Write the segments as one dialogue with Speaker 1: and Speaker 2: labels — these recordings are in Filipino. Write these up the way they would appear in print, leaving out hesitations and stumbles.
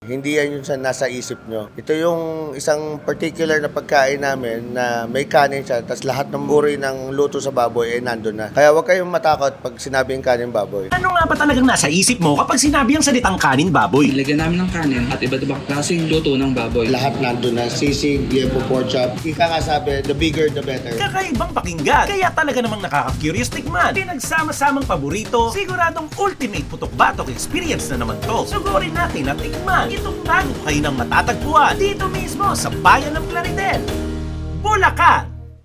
Speaker 1: Hindi yan yung nasa isip nyo. Ito yung isang particular na pagkain namin na may kanin siya, tapos lahat ng uri ng luto sa baboy ay nandun na. Kaya huwag kayong matakot pag sinabing kanin baboy.
Speaker 2: Ano nga ba talagang nasa isip mo kapag sinabi ang salitang kanin baboy?
Speaker 3: Ilagyan namin ng kanin at iba't ibang klaseng luto ng baboy.
Speaker 1: Lahat nandun na. Sisig, liempo, pork chop. Ika nga sabi, the bigger the better.
Speaker 2: Kakaibang pakinggan, kaya talaga namang nakaka-curious tikman. Pinagsama-samang paborito, siguradong ultimate putok-batok experience na naman to. Sugurin natin at tikman. Itong bago kayo nang matatagpuan dito mismo sa bayan ng Plaridel, Bulacan.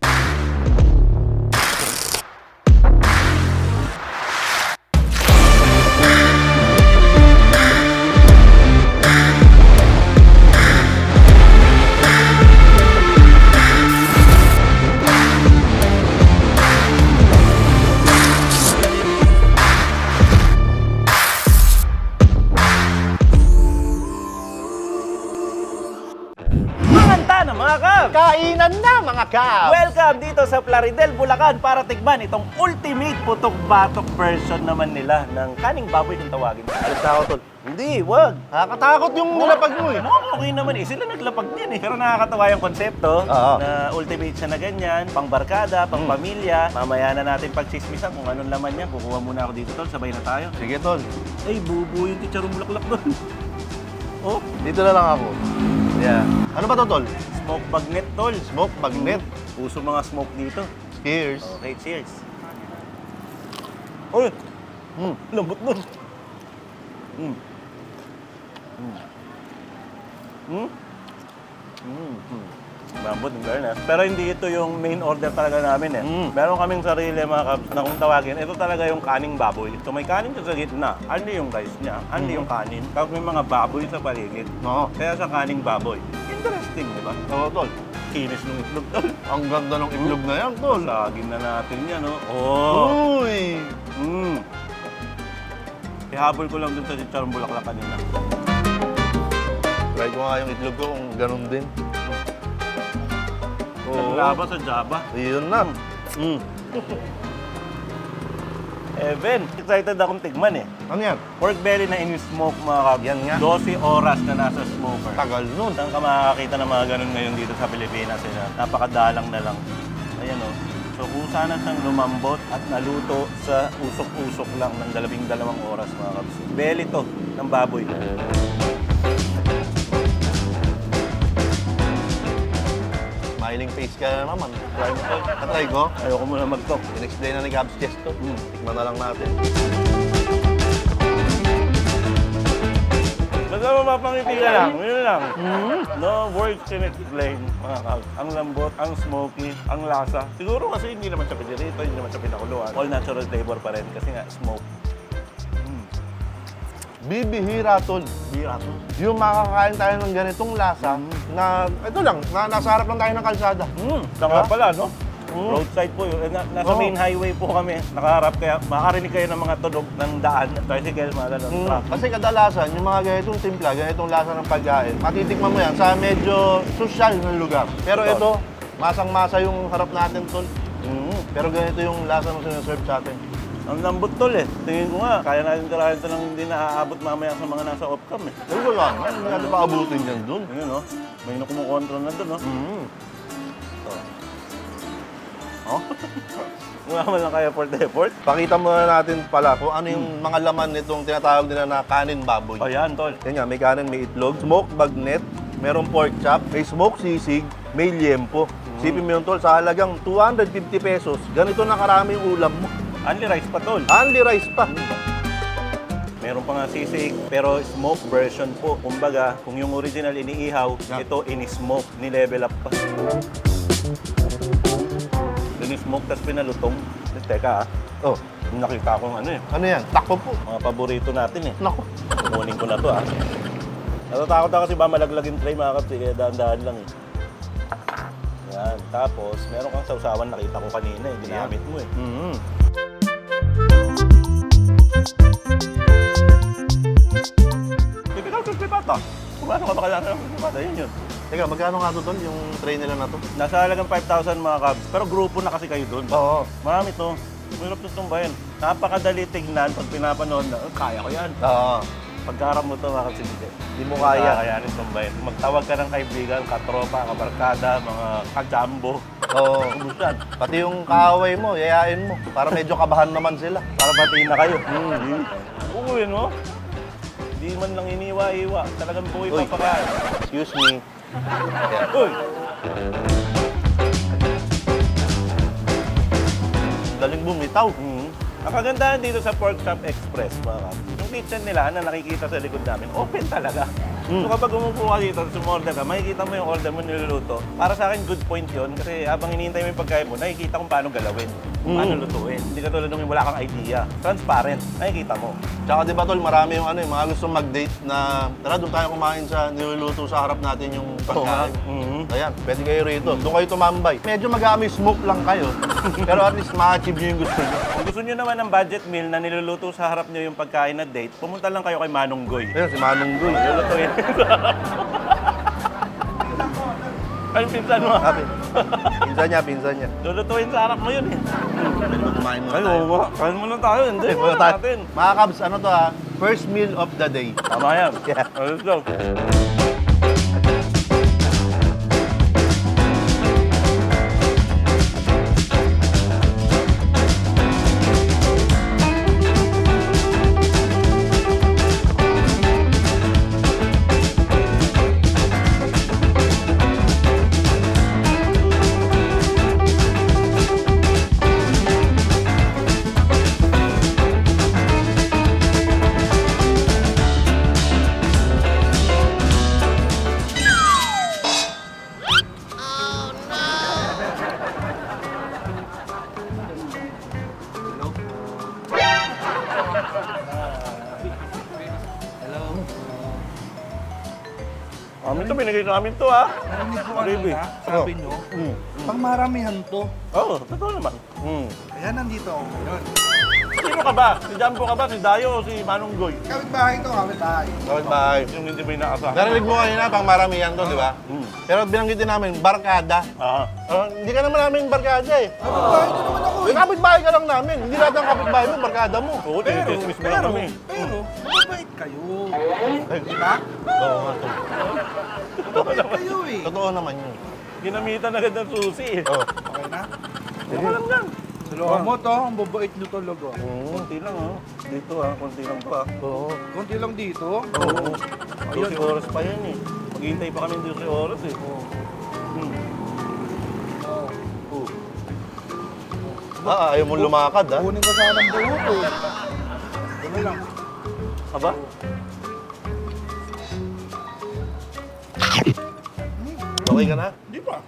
Speaker 2: Na mga kab!
Speaker 4: Kainan na mga kab!
Speaker 2: Welcome dito sa Plaridel, Bulacan para tikman itong ultimate putok-batok version naman nila ng kaning baboy kung tawagin.
Speaker 4: Alis na ako, tol.
Speaker 2: Hindi, wag.
Speaker 4: Nakakatakot yung nilapag mo eh.
Speaker 2: No, okay naman eh. Sila naglapag din eh. Pero nakakatawa yung konsepto na ultimate siya na ganyan, pang barkada, pang pamilya. Mamaya na natin pagchismisan kung anong laman niya. Kukuha muna ako dito, tol. Sabay na tayo.
Speaker 4: Sige, tol.
Speaker 2: Ay, bubu yung chicharong bulaklak doon. Oh,
Speaker 4: Dito na lang ako. Yeah. Ano ba to, tol?
Speaker 2: smoke bagnet, tol.
Speaker 4: Smoke bagnet.
Speaker 2: Puso mga smoke dito.
Speaker 4: Cheers.
Speaker 2: Okay, cheers. Uy! Lambot nun. Lambot, in fairness. Pero hindi ito yung main order talaga namin eh. Meron kaming sarili mga kabs na kung tawagin, ito talaga yung kaning baboy. So may kanin siya sa gitna, andi yung rice niya, andi yung kanin. Tapos may mga baboy sa paligid.
Speaker 4: Oo.
Speaker 2: Kaya sa kaning baboy. Interesting, di ba?
Speaker 4: Oo, tol.
Speaker 2: Kinis ng itlog, tol.
Speaker 4: Ang ganda ng itlog na yan, tol.
Speaker 2: Lagin na natin yan, no? Oh!
Speaker 4: Uy!
Speaker 2: Ihabol ko lang dun sa chicharong bulaklak kanina.
Speaker 4: Try ko nga yung itlog ko kung ganun din.
Speaker 2: Naglaba sa Java.
Speaker 4: Yun na.
Speaker 2: Evan, excited akong tikman eh.
Speaker 4: Ano yan?
Speaker 2: Pork belly na in-smoke mga kab.
Speaker 4: Yan nga.
Speaker 2: 12 oras na nasa smoker.
Speaker 4: Tagal nun.
Speaker 2: Saan ka makakakita ng mga ganun ngayon dito sa Pilipinas? Eh, napakadalang na lang. Ayan o. So kung sana siyang lumambot at naluto sa usok-usok lang ng 12 oras mga kabs. Belly to ng baboy.
Speaker 4: Smiling face ka na naman. Try mo, tol. Katry ko.
Speaker 2: Ayoko muna mag-talk.
Speaker 4: In-explain na ni Gabs Chest to. Tikman na lang natin.
Speaker 2: Basta mapapangiti ka lang, yun lang. No words can explain, mga kabs. Ang lambot, ang smoky, ang lasa. Siguro kasi hindi naman siya pinirito, hindi naman siya pinakuluan. All natural flavor pa rin kasi nga smoke.
Speaker 4: Bibihira, tol.
Speaker 2: Bira to.
Speaker 4: Yung makakain tayo ng ganitong lasa na, ito lang, na nasa harap lang tayo ng kalsada.
Speaker 2: Saka pala, no? Roadside po yun. Nasa main highway po kami. Nakaharap kaya makakarinig kayo ng mga tunog ng daan. Tricycle, mga ganun. Truck.
Speaker 4: Kasi kadalasan, yung mga ganitong timpla, ganitong lasa ng pagkain, matitikman mo yan sa medyo social na lugar. Pero
Speaker 2: Totoo.
Speaker 4: ito, masang-masa yung harap natin, tol. Pero ganito yung lasa ng sinaserve sa atin.
Speaker 2: Ang lambot tol eh. Tingin ko nga, kaya natin tirahin ito nang hindi naaabot mamaya sa mga nasa off-cam eh.
Speaker 4: Pero wala nga, hindi natin paabutin yan dun.
Speaker 2: Ayun no? May kumukontrol na doon no? Oh. Wala man lang kaya for the effort.
Speaker 4: Pakita muna natin pala kung ano yung mga laman nitong tinatawag nila na kanin baboy.
Speaker 2: O yan tol.
Speaker 4: Yan nga, may kanin, may itlog, smoked bagnet, merong pork chop, may smoked sisig, may liempo. Sipin mo yun, tol, sa halagang 250 pesos, ganito na karami yung ulam mo.
Speaker 2: Only rice pa tol.
Speaker 4: Only rice pa.
Speaker 2: Meron pa nga sisig, pero smoke version po. Kumbaga, kung yung original iniihaw, ito ini-smoke, ni-level up pa. Ini-smoke, tapos pinalutong. Teka
Speaker 4: Oh,
Speaker 2: nakita ko ano eh.
Speaker 4: ano yan? Tako po.
Speaker 2: Mga paborito natin eh.
Speaker 4: Nako.
Speaker 2: Kukunin ko na to Natatakot ako kasi ba malaglag yung tray mga kapsi, kaya dahan-dahan lang eh. Yan, tapos meron kang sausawan nakita ko kanina eh, ginamit mo eh. Typical crispy pata. Kumano ka ba kailangan ng crispy pata? Yun yun.
Speaker 4: Teka, magkano nga to, tol, yung tray nila na to?
Speaker 2: Nasa halagang 5,000 mga kabs, pero grupo na kasi kayo doon.
Speaker 4: Oo.
Speaker 2: Marami to. Mahirap to tumbayan. Napakadali tignan pag pinapanood na, kaya ko yan.
Speaker 4: Oo.
Speaker 5: Pagkarap mo to, mga kasinti.
Speaker 4: Hindi mo kaya.
Speaker 5: Kakayanin tumbayin. Magtawag ka ng kaibigan, katropa, kabarkada, mga kajambo.
Speaker 4: Oo.
Speaker 5: Ubus yan.
Speaker 4: Pati yung kaaway mo, yayain mo. Para medyo kabahan naman sila.
Speaker 5: Para batiin na kayo. Uuwin mo. Hindi man lang iniwa-iwa. Talagang buhay
Speaker 4: Uy.
Speaker 5: papakain.
Speaker 4: Excuse me.
Speaker 5: Uy!
Speaker 4: Galing bumitaw.
Speaker 5: Ang kagandahan dito sa Pork Chop Express, mga kap, yung kitchen nila na nakikita sa likod namin, open talaga. So kapag umupo ka dito, sumorder ka, makikita mo yung order mo niluluto. Para sa akin, good point yun. Kasi habang hinihintay mo yung pagkain mo, nakikita kung paano galawin, kung paano lutuin. Hindi ka tulad nung wala kang idea. Transparent, nakikita mo.
Speaker 4: Tsaka di ba tol, marami yung ano, yung mga gustong mag-date na tara doon tayo kumain sa niluluto sa harap natin yung pagkain. Ayan, pwede kayo rito. Doon kayo tumambay. Medyo mag-aami smoke lang kayo. Pero at least ma-achieve nyo yung gusto nyo.
Speaker 5: Kung gusto nyo naman ng budget meal na niluluto sa harap nyo yung pagkain na date, pumunta lang kayo kay Manong Goy.
Speaker 4: Ayun, si Manong Guy.
Speaker 5: Lulutuin. Ang pinsan mo.
Speaker 4: Sabi, pinsan niya.
Speaker 5: Lulutuin sa harap mo yun eh.
Speaker 4: Pwede ba kumain muna
Speaker 5: Ay,
Speaker 4: tayo?
Speaker 5: oo nga. Kain muna tayo. Hindi,
Speaker 4: Muna
Speaker 5: muna
Speaker 4: tayo.
Speaker 5: natin.
Speaker 4: Mga Kabs, ano to ha? First meal of the day.
Speaker 5: Tama yan.
Speaker 4: Yeah.
Speaker 5: Let's go. Amin to, binigay sa amin to ha.
Speaker 6: Narinig ko
Speaker 5: Baby.
Speaker 6: kanina, sabi nyo, pang maramihan to.
Speaker 5: Oo, totoo naman.
Speaker 6: Kaya nandito ako ngayon.
Speaker 5: Sino ka ba? Si Jumbo ka ba? Si Dayo o si Manong Goy?
Speaker 6: Kapit bahay to, kapit bahay.
Speaker 4: Kapit bahay.
Speaker 5: Yung hindi ba inaasahan?
Speaker 4: Narinig mo kanina, pang maramihan to, di ba? Pero binanggit din namin, barkada.
Speaker 5: Ah.
Speaker 4: Hindi ka naman namin barkada eh.
Speaker 6: Kapit bahay ko naman ako
Speaker 4: Eh, kapit bahay ka lang namin. Hindi lahat ng kapit bahay mo, barkada mo.
Speaker 5: Oo, tinitismis mo lang kami.
Speaker 6: mababait kayo. Di ba?
Speaker 4: Oo nga, tol.
Speaker 6: Mababait kayo eh.
Speaker 4: Totoo naman yun.
Speaker 5: Ginamitan agad ng susi eh.
Speaker 4: Oo.
Speaker 6: Okay na?
Speaker 5: Ano lang yan?
Speaker 6: Suluhan mo to, ang babait nyo talaga.
Speaker 5: Konti lang ha. Dito ha, konti lang to ha.
Speaker 4: Oo.
Speaker 6: Konti lang dito.
Speaker 5: Oo. 12 oras pa yan eh. Maghihintay pa kami 12 oras eh.
Speaker 4: Ayaw mong lumakad ha.
Speaker 6: Kunin ko sana ang buhok eh. Ano lang.
Speaker 5: Aba?
Speaker 4: Okay ka na?
Speaker 6: Di ba?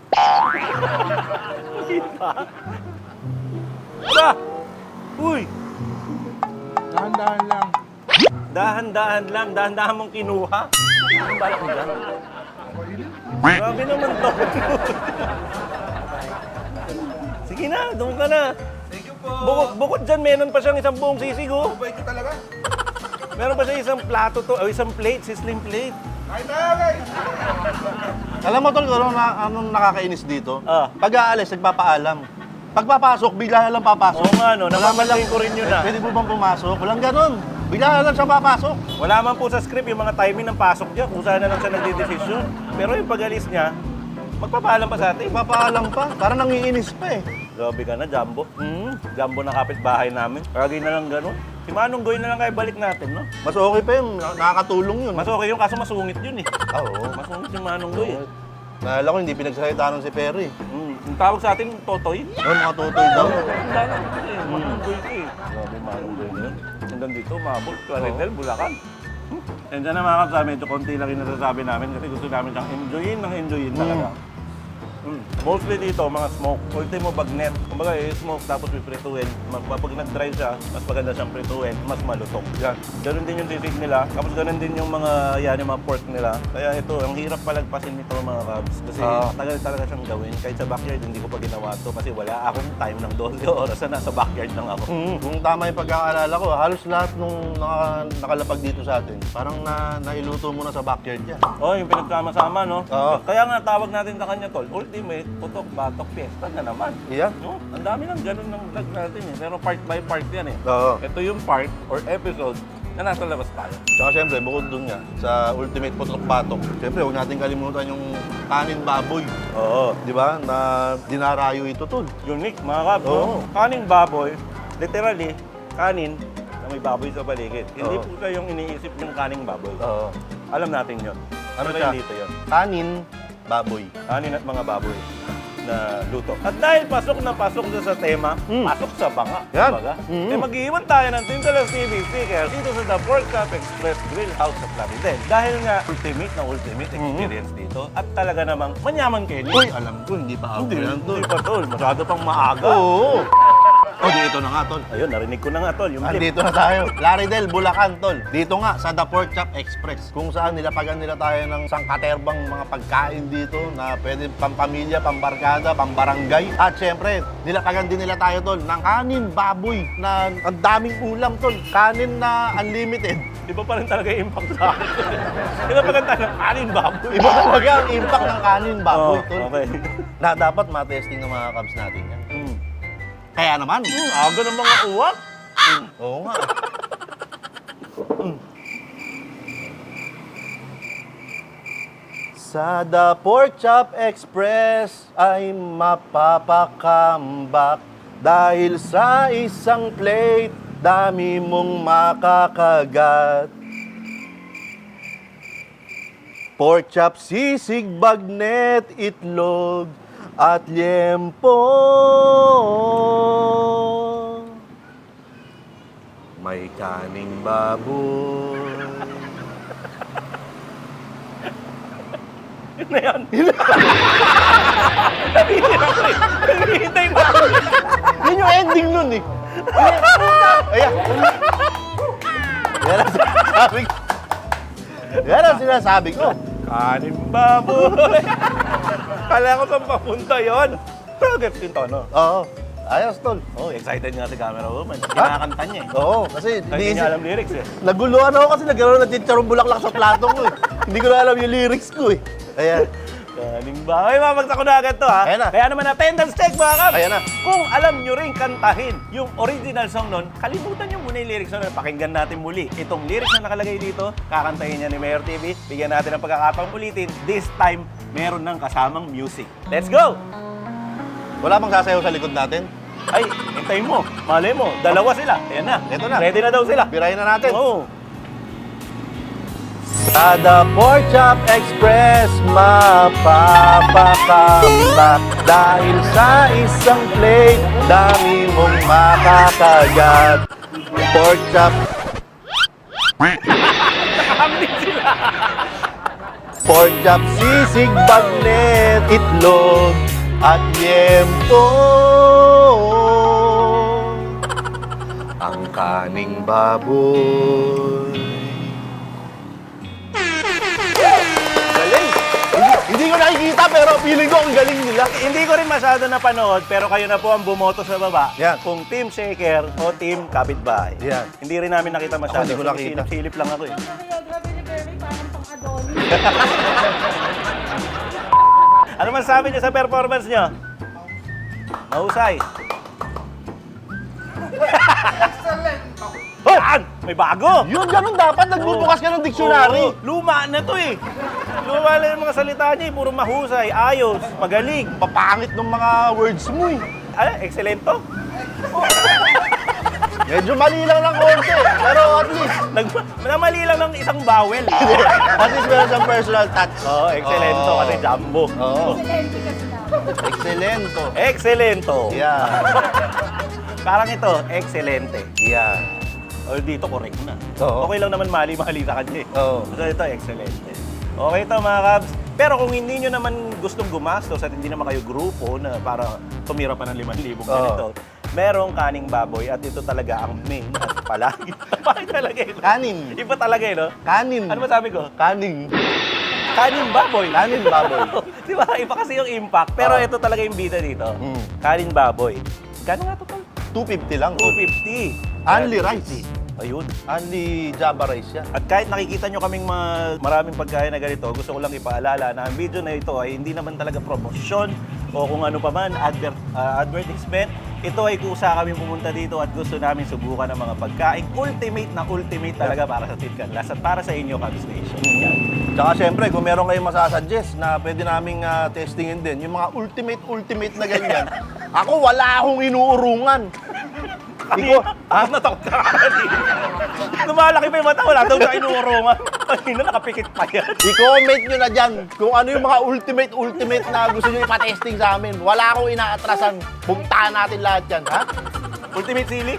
Speaker 5: Aba! Uy!
Speaker 6: Dahan-dahan lang.
Speaker 5: Dahan-dahan lang. Dahan-dahan mong kinuha. Ang balak mo dyan? Grabe naman to. Sige na, doon ka na.
Speaker 6: Thank you po.
Speaker 5: Bukod dyan, meron pa siyang isang buong sisig oh.
Speaker 6: Mabait ko talaga.
Speaker 5: Meron pa siya isang plato to, o isang plate, sizzling plate.
Speaker 6: Kain tayo guys.
Speaker 4: Alam mo tol, anong nakakainis dito?
Speaker 5: Ah.
Speaker 4: Pag aalis, nagpapaalam. Pagpapasok, bigla na lang papasok.
Speaker 5: Oo nga no,
Speaker 4: Wala man
Speaker 5: napapansin ko rin yun ah.
Speaker 4: Pwede po bang pumasok? Walang ganun. Bigla na lang siya papasok.
Speaker 5: Wala man po sa script yung mga timing ng pasok niya, kung saan na lang siya nagdidesisyon. Pero yung pag-alis niya, magpapaalam pa sa atin.
Speaker 4: Papaalam pa. Parang nangiinis pa eh.
Speaker 5: Grabe ka na, Jumbo. Jumbo na kapitbahay namin. Lagi na lang ganun. Si Manong Goy na lang kayo balik natin, no?
Speaker 4: Mas okay pa yun. Nakakatulong yun.
Speaker 5: Mas okay yung kaso masungit yun eh.
Speaker 4: Oo.
Speaker 5: Masungit yung Manong Goy eh.
Speaker 4: Naalala ko, hindi pinagsalita nun si Perry.
Speaker 5: Yung tawag sa atin, Totoy.
Speaker 4: Oo, mga tutoy daw.
Speaker 5: Ang dalang ko eh. Manong Goy ko eh. Grabe Manong Goy na yun. Hanggang dito, Mabol, Claridel, Bulacan. And dyan na mga kapsa, medyo konti lang yung nasasabi namin kasi gusto namin siyang enjoyin talaga. Mostly dito, mga smoke. Ultimo bagnet. Kumbaga, smoke tapos piprituin. Pag nag-dry siya, mas maganda siyang prituin, mas malutong. Yan. Ganun din yung sisig nila. Tapos ganun din yung mga, yung mga pork nila. Kaya ito, ang hirap palagpasin nito mga kabs. Kasi tagal talaga siyang gawin. Kahit sa backyard, hindi ko pa ginawa to kasi wala akong time ng 12 oras na nasa backyard lang ako.
Speaker 4: Kung tama yung pagkakaalala ko, halos lahat nung nakalapag dito sa atin, parang nailuto mo na sa backyard yan.
Speaker 5: Oh, yung pinagsama-sama, no?
Speaker 4: Oo.
Speaker 5: Kaya nga tawag natin sa kanya, tol, ultimate, putok, batok, fiesta na naman.
Speaker 4: Yeah.
Speaker 5: No? Ang dami ng ganun ng vlog natin eh. Pero part by part yan eh.
Speaker 4: Oo.
Speaker 5: Ito yung part or episode na nasa labas tayo.
Speaker 4: Tsaka syempre, bukod dun nga, sa Ultimate Putok Batok, syempre, huwag natin kalimutan yung kanin baboy.
Speaker 5: Oo.
Speaker 4: Di ba? Na dinarayo ito, tol.
Speaker 5: Unique, mga kap.
Speaker 4: Oo.
Speaker 5: Kaning baboy, literally, kanin na may baboy sa paligid. Hindi
Speaker 4: Oo.
Speaker 5: po siya yung iniisip yung kaning baboy.
Speaker 4: Oo.
Speaker 5: Alam natin yun.
Speaker 4: Ano
Speaker 5: Pero
Speaker 4: siya?
Speaker 5: dito yun.
Speaker 4: Kanin baboy.
Speaker 5: Kanin at mga baboy na luto. At dahil pasok na pasok na sa tema, pasok sa banga.
Speaker 4: Yan.
Speaker 5: Kumbaga.
Speaker 4: Mhm.
Speaker 5: Eh mag-iwan tayo ng Tindalas TV sticker dito sa The Pork Chop Express Grill House sa Plaridel. Dahil nga ultimate na ultimate experience dito at talaga namang manyaman kayo.
Speaker 4: Uy, alam ko, hindi pa ako
Speaker 5: Hindi,
Speaker 4: yan, tol.
Speaker 5: hindi pa tol. Masyado pang maaga.
Speaker 4: Oo. Oh, dito na nga, tol.
Speaker 5: Ayun, narinig ko na nga tol. Yung tip.
Speaker 4: Andito na tayo. Plaridel, Bulacan, tol. Dito nga, sa The Pork Chop Express. Kung saan nilapagan nila tayo ng sangkaterbang mga pagkain dito na pwede pampamilya, pambarkada, pambarangay. At syempre, nilapagan din nila tayo, tol, ng kanin, baboy, na ang daming ulam, tol. Kanin na unlimited.
Speaker 5: Iba pa rin talaga yung impact sa akin. Iba pa rin talaga kanin baboy.
Speaker 4: Iba talaga ang impact ng kanin, baboy,
Speaker 5: Oh,
Speaker 4: tol.
Speaker 5: okay.
Speaker 4: Na dapat matesting ng mga Cubs natin yan. Kaya naman.
Speaker 5: Aga ng mga uwak.
Speaker 4: Oo nga. Sa The Pork Chop Express ay mapapakambak dahil sa isang plate, dami mong makakagat. Pork chop, sisig, bagnet, itlog, at liempo. May kaning baboy.
Speaker 5: Yun na yan. Hinihintay mo.
Speaker 4: Yun yung ending nun eh. Ayan. Yan ang sinasabi ko. Yan ang sinasabi ko.
Speaker 5: Kanin baboy. Kala ko saan papunta yun. Pero gets yung tono.
Speaker 4: Oo. Ayos, tol.
Speaker 5: Oh, excited nga si camera woman. Kinakanta niya eh.
Speaker 4: Oo, kasi
Speaker 5: Hindi niya alam lyrics eh.
Speaker 4: naguluhan ako kasi nagkaroon ng chicharong bulaklak sa plato ko eh. Hindi ko na alam yung lyrics ko eh. Ayan.
Speaker 5: Kaning baboy. Mamagsak ko na agad to ha.
Speaker 4: Ayan na.
Speaker 5: Kaya naman attendance check mga kap.
Speaker 4: Ayan na.
Speaker 5: Kung alam nyo rin kantahin yung original song nun, kalimutan nyo muna yung lyrics nun. Pakinggan natin muli. Itong lyrics na nakalagay dito, kakantahin niya ni Mayor TV. Bigyan natin ng pagkakataong ulitin. This time, meron ng kasamang music. Let's go!
Speaker 4: Wala bang sasayaw sa likod natin?
Speaker 5: Ay, hintayin mo. Malay mo, dalawa sila. Ayan na.
Speaker 4: Ito na.
Speaker 5: Ready na daw sila.
Speaker 4: Birahin na natin.
Speaker 5: Oo.
Speaker 4: Sa The Pork Chop Express, mapapakambak dahil sa isang plate, dami mong makakagat. Pork chop.
Speaker 5: Nakahambing sila.
Speaker 4: Pork chop, sisig, bagnet, itlog, at liempo. Ang kaning baboy.
Speaker 5: Galing.
Speaker 4: Hindi ko nakikita pero feeling ko ang galing nila.
Speaker 5: Hindi ko rin masyado napanood, pero kayo na po ang bumoto sa baba.
Speaker 4: Yan.
Speaker 5: Kung Team Shaker o Team Kapitbahay.
Speaker 4: Yan.
Speaker 5: Hindi rin namin nakita masyado.
Speaker 4: Ako, hindi ko nakita.
Speaker 5: Silip lang ako eh.
Speaker 7: Grabe ni Berry, parang pang-Adonis.
Speaker 5: Ano masasabi niyo sa performance niyo? Mahusay.
Speaker 6: Excellent!
Speaker 5: Yan! May bago!
Speaker 4: Yun, ganun dapat. Nagbubukas ka ng dictionary.
Speaker 5: Oo, luma na to eh. Luma na yung mga salita niya eh. Puro mahusay, ayos, magaling.
Speaker 4: Papangit ng mga words mo eh.
Speaker 5: Ano, excelento?
Speaker 4: Medyo mali lang ng konti. Pero at least,
Speaker 5: Namali lang ng isang bawel.
Speaker 4: at least meron siyang personal touch.
Speaker 5: Oo, excelento
Speaker 4: Oo.
Speaker 5: kasi jumbo.
Speaker 4: Oo.
Speaker 7: Excelente kasi na.
Speaker 4: Excelento.
Speaker 5: Excelento.
Speaker 4: Yeah.
Speaker 5: Parang ito, excelente.
Speaker 4: Yeah.
Speaker 5: O dito, correct na.
Speaker 4: Oo.
Speaker 5: Okay lang naman mali-mali sa kanya eh.
Speaker 4: Oo.
Speaker 5: So ito, excelente. Okay ito mga Cubs. Pero kung hindi nyo naman gustong gumastos at hindi naman kayo grupo na para tumira pa ng 5,000 ganito, merong kaning baboy at ito talaga ang main at palagi. Bakit talaga ito?
Speaker 4: Kanin.
Speaker 5: Iba talaga eh, no?
Speaker 4: Kanin.
Speaker 5: Ano masabi ko?
Speaker 4: Kaning.
Speaker 5: Kanin baboy.
Speaker 4: Kanin baboy.
Speaker 5: Di ba? Iba kasi yung impact. Pero
Speaker 4: Oo.
Speaker 5: ito talaga yung bida dito.
Speaker 4: Mm.
Speaker 5: Kanin baboy. Kano nga total?
Speaker 4: 250 lang.
Speaker 5: 250.
Speaker 4: Only rice.
Speaker 5: Ayun.
Speaker 4: Only Java rice yan.
Speaker 5: At kahit nakikita nyo kaming maraming pagkain na ganito, gusto ko lang ipaalala na ang video na ito ay hindi naman talaga promosyon o kung ano pa man, advertisement. ito ay kusa kami pumunta dito at gusto namin subukan ng mga pagkain. Ultimate talaga para sa Team Canlas at para sa inyo, Cubs Nation. Yan.
Speaker 4: Tsaka syempre, kung meron kayong masasuggest na pwede naming testingin din, yung mga ultimate na ganyan, ako wala akong inuurungan. Ikaw,
Speaker 5: Natakot ka kanina. Lumalaki pa yung mata, wala daw na inuurungan. Kanina nakapikit pa yan.
Speaker 4: i-comment nyo na dyan kung ano yung mga ultimate na gusto nyo ipatesting sa amin. Wala akong inaatrasan. Puntahan natin lahat yan, ha?
Speaker 5: Ultimate sili?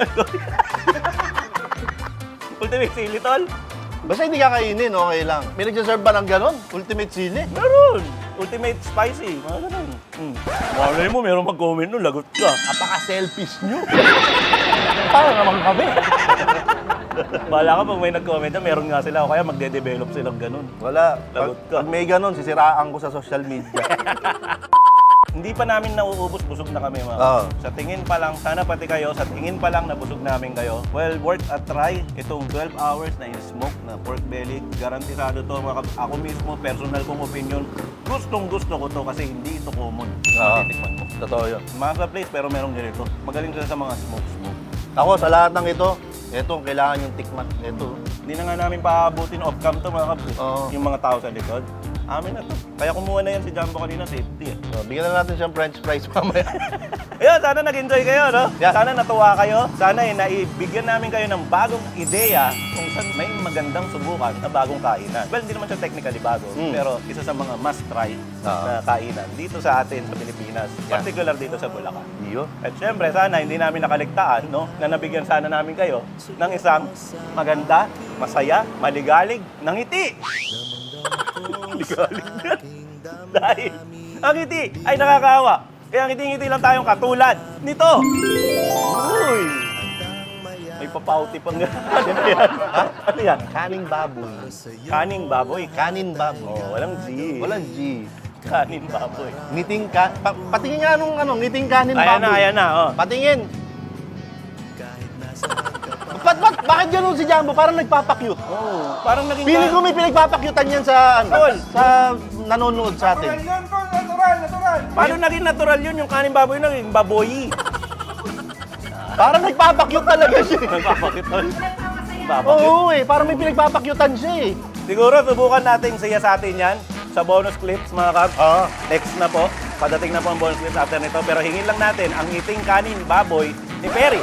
Speaker 5: Ultimate sili, tol?
Speaker 4: Basta hindi kakainin, okay lang. May nagsaserve ba ng ganon? Ultimate sili?
Speaker 5: Meron! Ultimate spicy, mga ganun. Malay mo, meron mag-comment nun, lagot ka.
Speaker 4: Napaka-selfish nyo. Parang naman kami.
Speaker 5: Bahala ka pag may nag-comment na, meron nga sila o kaya magde-develop silang ganun.
Speaker 4: Wala.
Speaker 5: Lagot ka.
Speaker 4: Pag may ganon, sisiraan ko sa social media.
Speaker 5: Hindi pa namin nauubos, busog na kami mga.
Speaker 4: Oo.
Speaker 5: Sa tingin pa lang, sana pati kayo, sa tingin pa lang nabusog namin kayo. Well, worth a try. Itong 12 hours na in-smoke na pork belly, garantisado to mga ako mismo, personal kong opinion. Gustong-gusto ko to kasi hindi ito common.
Speaker 4: Oo.
Speaker 5: Titikman mo.
Speaker 4: Totoo yun.
Speaker 5: Mga place pero merong ganito. Magaling sila sa mga smoke.
Speaker 4: Ako, sa lahat ng ito ang kailangan yung tikman. Ito.
Speaker 5: Hindi na nga namin paabutin off-cam to mga kabs.
Speaker 4: Oo.
Speaker 5: Yung mga tao sa likod. Amin na to. Kaya kumuha na yan si Jumbo kanina, safety.
Speaker 4: So, bigyan na natin siyang french fries mamaya.
Speaker 5: Ayun, sana nag-enjoy kayo, no?
Speaker 4: Yeah.
Speaker 5: Sana natuwa kayo. Sana naibigyan namin kayo ng bagong ideya kung saan may magandang subukan na bagong kainan. Well, hindi naman siya technically bago, pero isa sa mga must-try na kainan dito sa atin sa Pilipinas, particular dito sa Bulacan.
Speaker 4: Iyo.
Speaker 5: At syempre, sana hindi namin nakaligtaan, no? Na nabigyan sana namin kayo ng isang maganda, masaya, maligalig, ng ngiti. Maligalig na. Dahil ang ngiti ay nakakawa. Kaya ngiti-ngiti lang tayong katulad nito. Uy! May papauti pang ano yan? Ha? Ano yan?
Speaker 4: Kaning baboy.
Speaker 5: Kaning baboy.
Speaker 4: Kanin baboy.
Speaker 5: Oh, walang G.
Speaker 4: Walang G.
Speaker 5: Kanin baboy.
Speaker 4: Ngiting ka... patingin nga nung ngiting kanin baboy.
Speaker 5: Ayan na, oh.
Speaker 4: Patingin. Bakit ganun si Jumbo? Parang nagpapakyut.
Speaker 5: Oh, parang naging...
Speaker 4: Feeling ko may pinagpapakyutan yan sa
Speaker 5: Tol.
Speaker 4: sa nanonood sa atin.
Speaker 6: Yan po, natural.
Speaker 5: Paano naging natural yun? Yung kanin baboy naging baboy.
Speaker 4: Parang nagpapakyut talaga siya.
Speaker 5: Nagpapakit tol.
Speaker 4: Oo eh, parang may pinagpapakyutan siya eh.
Speaker 5: Siguro subukan natin siya sa atin yan sa bonus clips mga kabs.
Speaker 4: Oo.
Speaker 5: Next na po. Padating na po ang bonus clips after nito. Pero hingin lang natin ang ngiting kanin baboy ni Perry.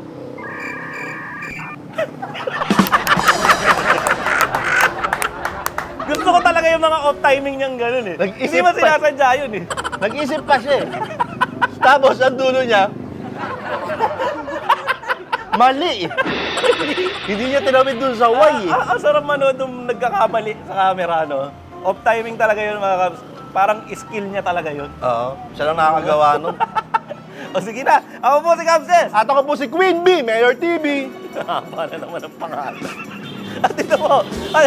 Speaker 5: Gusto ko talaga yung mga off-timing niyang gano'n eh.
Speaker 4: Nag-isip
Speaker 5: Hindi mo
Speaker 4: pa.
Speaker 5: sinasadya yun eh.
Speaker 4: Nag-isip pa siya eh. Tapos ang dulo niya, mali eh. Hindi niya tinawid dun sa Y eh.
Speaker 5: Ang sarap manood nung nagkakamali sa camera, no? Off-timing talaga yun mga kabs. Parang skill niya talaga yun.
Speaker 4: Oo, siya lang nakakagawa nun.
Speaker 5: O sige na, ako po si Kabses.
Speaker 4: At ako po si Queen Bee, Mayor TV.
Speaker 5: Para naman ang pangalan. At ito po.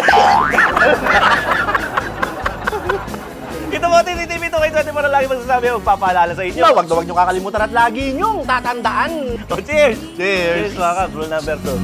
Speaker 5: Ito po, TCTV to kayo. Ito mo na lagi magsasabi. Magpapaalala sa inyo.
Speaker 4: Na, wag niyong kakalimutan at lagi niyong tatandaan.
Speaker 5: O, cheers!
Speaker 4: Cheers!
Speaker 5: Cheers mga kabs. Rule number 2.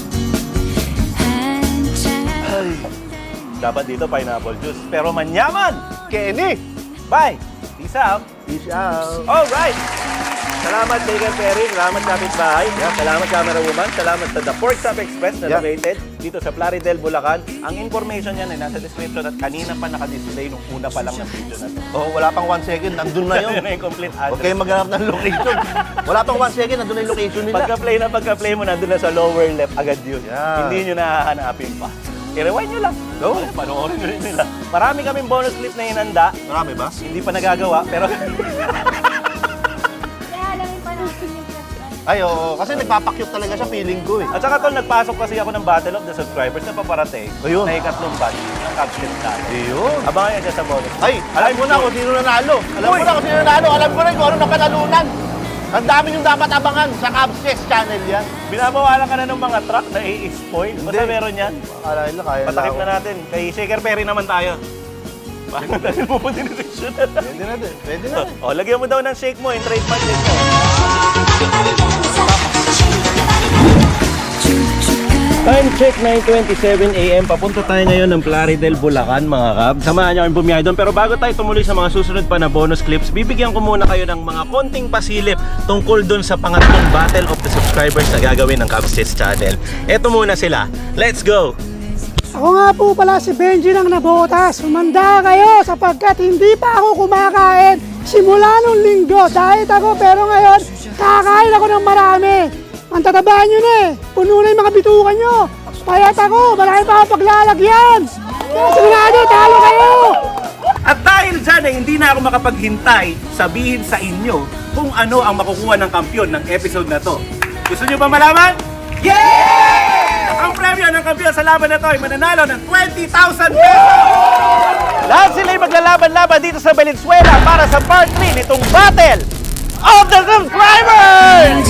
Speaker 5: Ay, dapat dito pineapple juice. Pero manyaman!
Speaker 4: Kenny!
Speaker 5: Bye! Peace out!
Speaker 4: Peace out!
Speaker 5: Alright! Salamat, Baker Perry. Salamat, Kapitbahay. Salamat, Camera Woman. Salamat sa The Pork Chop Express na located dito sa Plaridel, Bulacan. Ang information yan ay nasa description at kanina pa nakadisplay nung una pa lang ng video na to.
Speaker 4: Oh, wala pang 1 second, nandun na yun.
Speaker 5: Yun na yung complete
Speaker 4: Huwag
Speaker 5: address.
Speaker 4: kayong maghanap ng location. Wala pang 1 second, nandun na yung location nila.
Speaker 5: Pagka-play mo, nandun na sa lower left agad yun.
Speaker 4: Yan.
Speaker 5: Hindi nyo nahahanapin pa. I-rewind nyo lang.
Speaker 4: Go.
Speaker 5: Panoorin nyo rin nila. Marami kaming bonus clip na hinanda.
Speaker 4: Marami ba?
Speaker 5: Hindi pa nagagawa, pero
Speaker 7: Kaya alamin pa natin yung plus.
Speaker 4: Ay, oo. Kasi nagpapakyut talaga siya, feeling ko eh.
Speaker 5: At saka tol, nagpasok kasi ako ng Battle of the Subscribers na paparating
Speaker 4: Ayun.
Speaker 5: na ikatlong batch ng Capsule natin.
Speaker 4: Ayun.
Speaker 5: Abangan nyo dyan sa bonus.
Speaker 4: Ay, alam mo na kung sino nanalo. Alam mo na kung sino nanalo. Alam ko rin kung ano napanalunan. Ang dami yung dapat abangan sa Cubs channel yan.
Speaker 5: Binabawalan ka na ng mga truck na i-spoil. Basta
Speaker 4: Hindi.
Speaker 5: meron yan.
Speaker 4: Akala nila kaya
Speaker 5: Patakip na natin. Kay Shaker Perry naman tayo. Paano natin pupunta ni Richard?
Speaker 4: Pwede na din. Pwede na din.
Speaker 5: O, lagyan mo daw ng shake mo, yung trademark shake mo.
Speaker 8: Choo choo
Speaker 2: Time check, 9:27 AM. Papunta tayo ngayon ng Plaridel, Bulacan, mga kab. Samahan niyo kami bumiyahe doon. Pero bago tayo tumuloy sa mga susunod pa na bonus clips, bibigyan ko muna kayo ng mga konting pasilip tungkol doon sa pangatlong Battle of the Subscribers na gagawin ng Kabsits Channel. Eto muna sila. Let's go!
Speaker 6: Ako nga po pala si Benji ng Nabotas. Sumanda kayo sapagkat hindi pa ako kumakain simula nung linggo. Diet ako pero ngayon kakain ako ng marami. Ang tatabaan nyo na eh. Puno na yung mga bitukan nyo. Payat ako. Marami pa akong paglalagyan. Kaya sigurado, talo kayo.
Speaker 2: At dahil dyan ay hindi na ako makapaghintay sabihin sa inyo kung ano ang makukuha ng kampyon ng episode na to. Gusto nyo ba malaman? Yeah! Ang premyo ng kampyon sa laban na to ay mananalo ng 20,000 pesos! Lahat sila ay maglalaban-laban dito sa Valenzuela para sa part 3 nitong Battle of the Subscribers!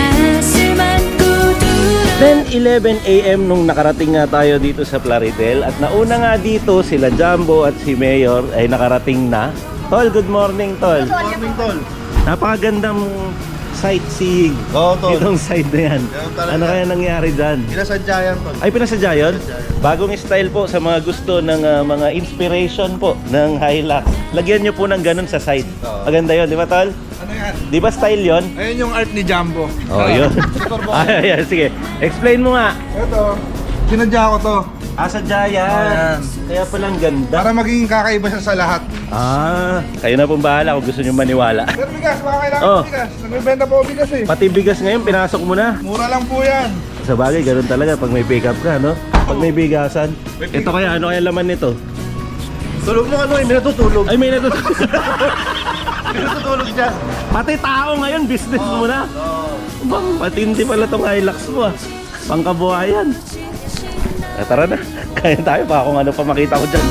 Speaker 2: 10:11 AM nung nakarating nga tayo dito sa Plaridel at nauna nga dito sila Jumbo at si Mayor ay nakarating na. Tol, good morning, Tol.
Speaker 4: Good morning, Tol.
Speaker 2: Napakagandang sightseeing
Speaker 4: Oo, Tol.
Speaker 2: itong side na yan.
Speaker 4: Ganun talaga.
Speaker 2: Ano kaya nangyari dyan?
Speaker 4: Pinasadya yan, Tol.
Speaker 2: Ay, pinasadya yun? Bagong style po sa mga gusto ng mga inspiration po ng Hilux. Lagyan nyo po ng ganun sa side. Maganda yun, di ba, Tol?
Speaker 8: Ano yan?
Speaker 2: Di ba style yun?
Speaker 8: Ayun yung art ni Jumbo.
Speaker 2: Oh, yun. Ay, sige. Explain mo nga.
Speaker 8: Ito, sinadya ko to.
Speaker 2: Sadya yan. Kaya palang ganda.
Speaker 8: Para maging kakaiba siya sa lahat.
Speaker 2: Kayo na pong bahala kung gusto nyo maniwala.
Speaker 8: Pero bigas, baka kailangan
Speaker 2: Oh.
Speaker 8: bigas. Nagbibenta po ako bigas eh.
Speaker 2: Pati bigas ngayon, pinasok mo na.
Speaker 8: Mura lang po yan.
Speaker 2: Sa bagay, ganun talaga pag may pick up ka, no? Pag may bigasan. Ito kaya, ano kaya laman nito?
Speaker 4: Tulog mo ano eh, may natutulog.
Speaker 2: Ay, may natutulog.
Speaker 4: May natutulog dyan.
Speaker 2: Pati tao ngayon, business mo na. Bang, patindi pala tong Hilux mo, ah. Pangkabuhayan. Tara na. Kaya tayo pa kung ano pa makita ko dyan.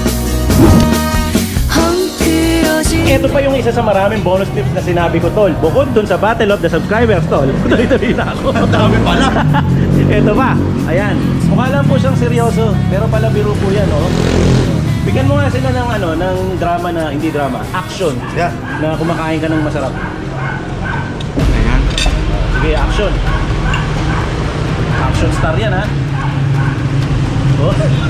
Speaker 2: Ito pa yung isa sa maraming bonus tips na sinabi ko, Tol. Bukod dun sa Battle of the Subscribers, Tol. Tuloy-tuloy na ako.
Speaker 4: Dami pala.
Speaker 2: Ito pa. Ayan. Mukha lang po siyang seryoso. Pero pala biro po yan, oh. Bigyan mo nga sila ng ano, ng drama na, hindi drama, action.
Speaker 4: Yeah.
Speaker 2: Na kumakain ka ng masarap. Ayan. Sige, action. Action star yan, ha? Oh.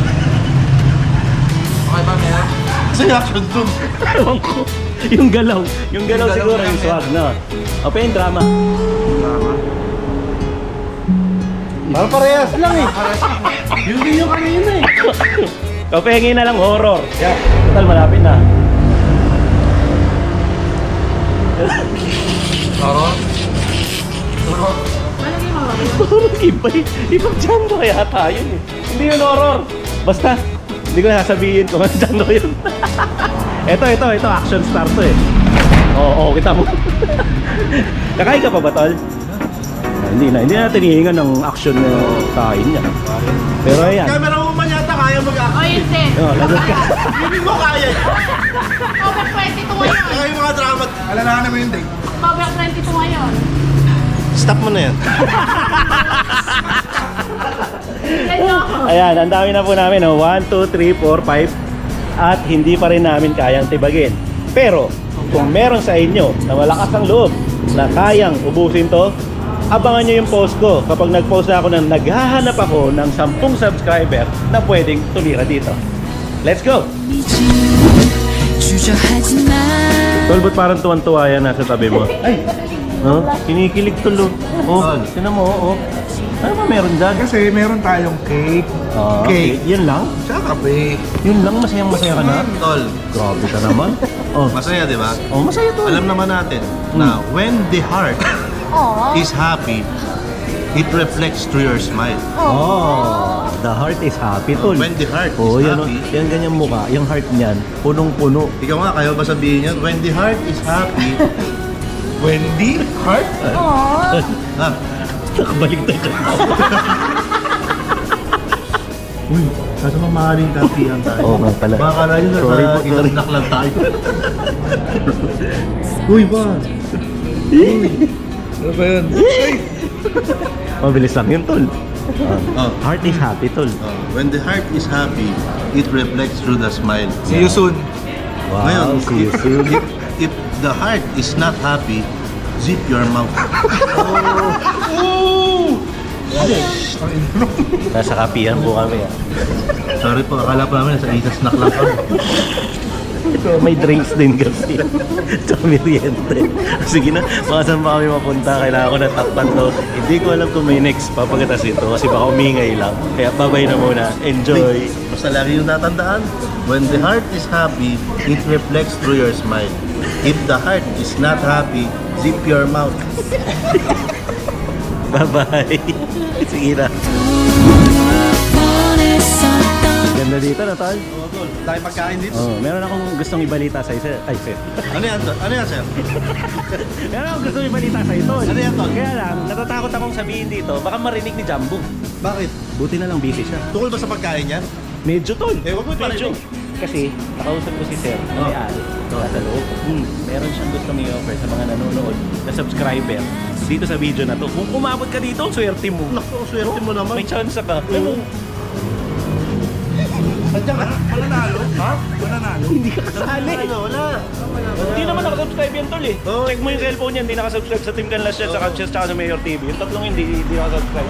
Speaker 8: Okay ba, Maya?
Speaker 4: Kasi action dun.
Speaker 2: Ewan ko. Yung galaw siguro yung swag, no? O, pa yung drama.
Speaker 4: Parang parehas lang eh.
Speaker 2: Yun din yung kanina eh. Kapengin na lang horror. Yeah. Total, malapit na.
Speaker 8: Taro?
Speaker 2: Horror, ibang Django kaya tayo eh. Hindi yun horror. Basta, hindi ko na sasabihin kung ano Django yun. ito, action star to eh. Oo, kita mo. Kakain ka pa ba, Tol? Hindi na tinihingan ng action na kain niya. Pero ayan.
Speaker 4: Camera mo man yata kaya mag-action.
Speaker 7: O, yun din.
Speaker 2: Lagot ka.
Speaker 4: Hindi mo kaya.
Speaker 7: Over 22 ngayon.
Speaker 4: Kaya yung mga drama.
Speaker 8: Alalahanan mo yung date.
Speaker 7: Over 22 ngayon.
Speaker 4: Stop mo na yan.
Speaker 2: Ayan, ang dami na po namin. 1, 2, 3, 4, 5. At hindi pa rin namin kayang tibagin. Pero, kung meron sa inyo na malakas ang loob na kayang ubusin to, abangan nyo yung post ko kapag nag-post na ako ng naghahanap ako ng 10 subscriber na pwedeng tumira dito. Let's go! Tol, ba't parang tuwan-tuwa yan nasa tabi mo? Ay! No? Kinikilig tulo. Oh, tinan mo, oh. Ano ba meron dyan?
Speaker 8: Kasi meron tayong cake.
Speaker 2: Cake. Yun lang?
Speaker 8: Tsaka kape.
Speaker 2: Yun lang? Masayang-masaya ka na?
Speaker 4: Tol,
Speaker 2: Grabe ka naman. Oh,
Speaker 4: masaya di ba?
Speaker 2: oh masaya to.
Speaker 4: Alam naman natin na when the heart is happy, it reflects through your smile.
Speaker 2: Oh, the heart is happy, tol.
Speaker 4: When the heart
Speaker 2: Oh,
Speaker 4: is
Speaker 2: yan, oh.
Speaker 4: happy,
Speaker 2: Yan ganyan mukha. Yung heart niyan, punong-puno.
Speaker 4: ikaw nga, kayo ba sabihin yan? When the heart is happy,
Speaker 8: Wendy? Heart?
Speaker 4: ah,
Speaker 2: Nakabalik na ka.
Speaker 4: uy, nasa mamahaling kapihan tayo.
Speaker 2: Oo nga pala.
Speaker 4: Baka na yun,
Speaker 2: Sorry po,
Speaker 4: nasa
Speaker 2: sorry.
Speaker 4: inak lang tayo. Uy, ba?
Speaker 8: Ano ba yun?
Speaker 2: Mabilis lang yun, tol.
Speaker 4: Oh.
Speaker 2: Heart is happy, tol.
Speaker 4: When the heart is happy, it reflects through the smile.
Speaker 8: See you soon.
Speaker 2: Wow,
Speaker 4: Ngayon,
Speaker 2: see you soon.
Speaker 4: if the heart is not happy, zip your mouth.
Speaker 2: Nasa kapihan po kami.
Speaker 4: Sorry po, akala pa namin sa isa snack lang kami.
Speaker 2: Ito, may drinks din kasi. Tsaka meriente. Sige na, baka saan pa kami mapunta. Kailangan ko natakpan to. Hindi ko alam kung may next pa pagkatas ito kasi baka umingay lang. Kaya babay na muna. Enjoy!
Speaker 4: Basta lagi yung natandaan, when the heart is happy, it reflects through your smile. If the heart is not happy, zip your mouth.
Speaker 2: Bye-bye! Sige na. Ganda dito na, Tol.
Speaker 4: Oo, tol. Tayo pagkain dito.
Speaker 2: Oh, meron akong gustong ibalita sa isa. Ay, sir.
Speaker 4: Ano yan, tol? Ano yan, sir?
Speaker 2: Meron akong gustong ibalita sa ito.
Speaker 4: Ano yan, Tol?
Speaker 2: Kaya lang, natatakot akong sabihin dito, baka marinig ni Jumbo.
Speaker 4: Bakit?
Speaker 2: Buti na lang busy siya.
Speaker 4: Tukol ba sa pagkain yan?
Speaker 2: Medyo, Tol.
Speaker 4: Eh, wag mo
Speaker 2: Medyo.
Speaker 4: parinig.
Speaker 2: Kasi, nakausap ko si Sir na may-ari sa loob. Meron siyang gustong i-offer sa mga nanonood na subscriber dito sa video na to. Kung umabot ka dito, swerte mo.
Speaker 4: Naku, swerte mo naman.
Speaker 2: May chance ka. Pero,
Speaker 4: Nandiyan ka? Mananalo? Ha? Mananalo?
Speaker 2: hindi ka kasali.
Speaker 4: Wala.
Speaker 2: Hindi naman nakasubscribe yan, Tol eh.
Speaker 4: Oo.
Speaker 2: Check mo yung cellphone niya, hindi nakasubscribe sa Team Canlas yan, saka sa Mayor TV. Yung tatlong hindi nakasubscribe.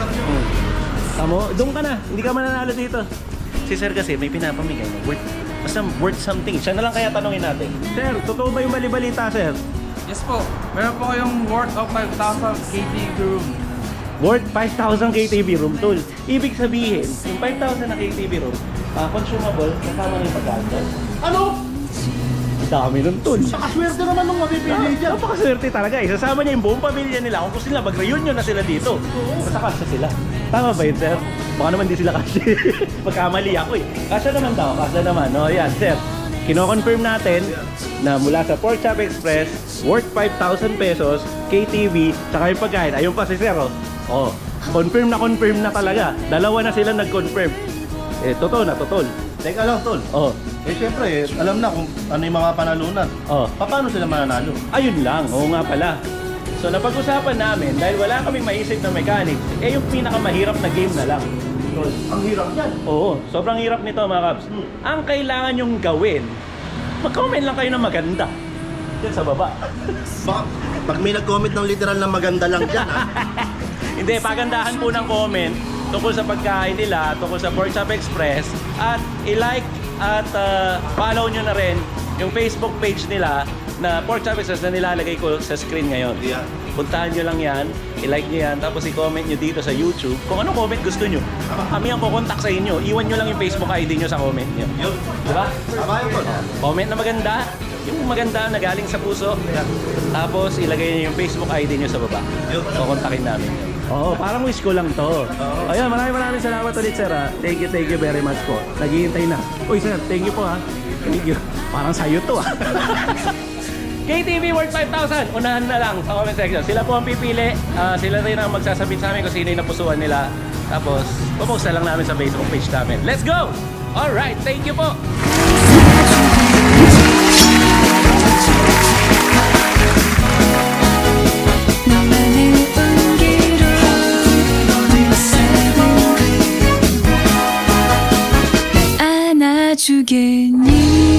Speaker 2: Tamo, doon ka na. Hindi ka mananalo dito. Si Sir kasi may pinapamigay na worth something. Siya na lang kaya tanongin natin. Sir, totoo ba yung balibalita, Sir?
Speaker 3: Yes po. Meron po kayong worth of 5,000 KTV room.
Speaker 2: Worth 5,000 KTV room, Tol. Ibig sabihin, yung 5,000 na KTV room, consumable, kasama na yung pagkain.
Speaker 4: Ano?
Speaker 2: Ang dami nun, Tol.
Speaker 4: Nakaswerte naman nung mapipili dyan.
Speaker 2: Napakaswerte talaga. Isasama niya yung buong pamilya nila. Kung gusto nila, mag-reunion na sila dito. Basta kasya sila. Tama ba yun, Sir? Baka naman di sila kasya. Pagkamali ako eh. Kasya naman daw. Kasya naman. No, yan, Sir. Kino-confirm natin na mula sa Pork Chop Express, worth 5,000 pesos, KTV, tsaka yung pagkain. Ayun pa si Sir, oh. Oh, confirm na talaga. Dalawa na sila nag-confirm. Eh, totoo na, totoo.
Speaker 4: Teka lang, tol.
Speaker 2: Oh,
Speaker 4: Eh, syempre, alam na kung ano yung mga panalunan.
Speaker 2: oh.
Speaker 4: Paano sila mananalo?
Speaker 2: Ayun lang, oo nga pala. So napag-usapan namin, dahil wala kaming maisip na mechanic, eh yung pinakamahirap na game na lang.
Speaker 4: Ang hirap yan.
Speaker 2: Oo, sobrang hirap nito mga Kabs. Ang kailangan nyong gawin, mag-comment lang kayo ng maganda. Diyan sa baba.
Speaker 4: Baka, pag may nag-comment ng literal na maganda lang dyan, ha?
Speaker 2: Hindi, pagandahan po ng comment tungkol sa pagkain nila, tungkol sa Pork Chop Express, at i-like at follow nyo na rin yung Facebook page nila na Pork Chop Express na nilalagay ko sa screen ngayon.
Speaker 4: Yeah.
Speaker 2: Puntahan nyo lang yan, i-like nyo yan, tapos i-comment nyo dito sa YouTube kung anong comment gusto nyo. Kami ang kukontak sa inyo. Iwan nyo lang yung Facebook ID nyo sa comment nyo.
Speaker 4: Yun.
Speaker 2: Diba?
Speaker 4: Tama yun, tol.
Speaker 2: Comment na maganda, yung maganda na galing sa puso. Tapos ilagay nyo yung Facebook ID nyo sa baba. Kukontakin namin. Oo, parang wish ko lang to. Ayun, maraming salamat ulit, sir. Thank you very much po. Naghihintay na. Uy, sir, thank you po ha. Thank you. Parang sayo to ha. KTV worth 5,000. Unahan na lang sa comment section. Sila po ang pipili. Sila rin ang magsasabit sa amin kung sino yung napusuan nila. Tapos, pupost na lang namin sa Facebook page namin. Let's go! Alright, thank you po!
Speaker 9: 너만의 온기로 어느새 날 안아주겠니